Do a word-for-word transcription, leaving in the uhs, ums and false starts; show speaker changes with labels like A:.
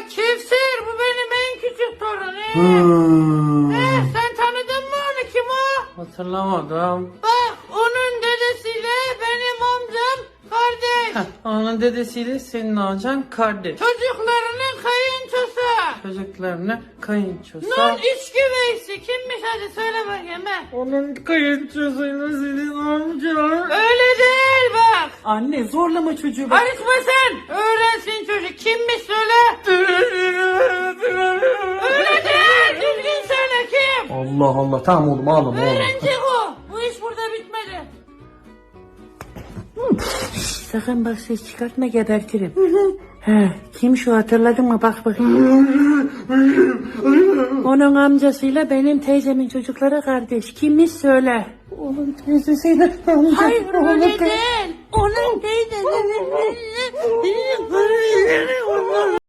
A: Kevser, bu benim en küçük torunum.
B: Hmm.
A: Eh, sen tanıdın mı onu, kim o?
B: Hatırlamadım.
A: Bak, onun dedesiyle benim amcam kardeş.
B: Heh, onun dedesiyle senin amcan kardeş.
A: Çocuklarının kayınçosu.
B: Çocuklarını kayınçosu.
A: Nun üç güveysi kimmiş, hadi söyle bakayım he.
B: Onun kayınçosuyla senin amcan.
A: Öyle değil bak.
B: Anne zorlama çocuğu bak.
A: Karışma sen. Öğrensin çocuk. Kimmiş söyle. Öyle değil. Düzgün söyle kim.
B: Allah Allah, tamam oğlum ağlama oğlum.
A: Öğrenecek o. Bu iş burada bitmedi. Sakın bak ses çıkartma, gebertirim. He, kim şu, hatırladın mı, bak bakayım. Onun amcasıyla benim teyzemin çocukları kardeş. Kimmiş söyle.
B: Onun teyzesiyle amca.
A: Hayır öyle
B: Onun
A: değil. Onun teyzesi.